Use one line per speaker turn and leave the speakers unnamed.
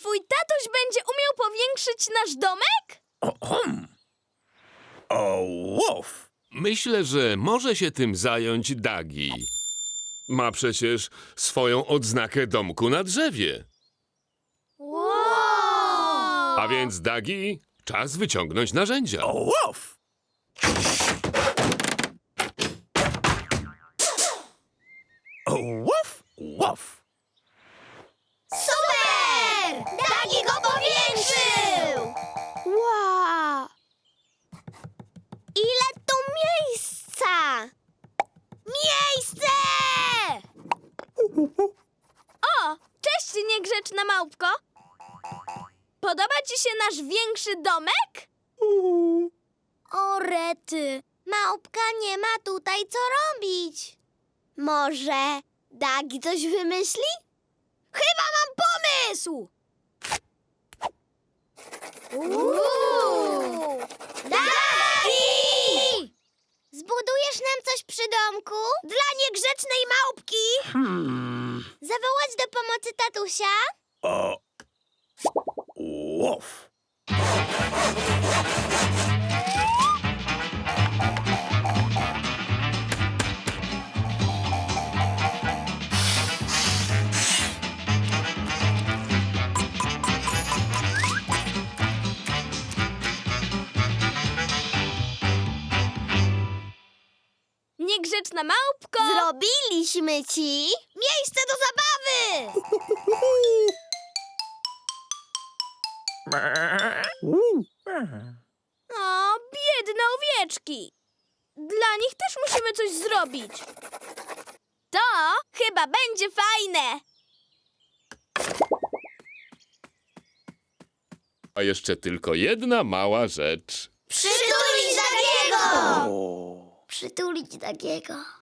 twój tatuś będzie umiał powiększyć nasz domek?
Myślę, że może się tym zająć Dagi. Ma przecież swoją odznakę domku na drzewie.
Wow!
A więc, Dagi, czas wyciągnąć narzędzia.
Super! Dagi go powiększył! Wow! Ile tu miejsca! Miejsce! O, cześć, niegrzeczna małpko. Podoba ci się nasz większy domek? O, rety, małpka nie ma tutaj co robić. Może Dagi coś wymyśli? Chyba mam pomysł! Dagi! Zbudujesz nam coś przy domku? Dla niegrzecznej małpki? Zawołać do pomocy tatusia? Niegrzeczna małpko! Zrobiliśmy ci miejsce do zabawy! O, biedne owieczki! Dla nich też musimy coś zrobić. To chyba będzie fajne!
A jeszcze tylko jedna mała rzecz.
Przytulić Dagiego! Przytulić Dagiego.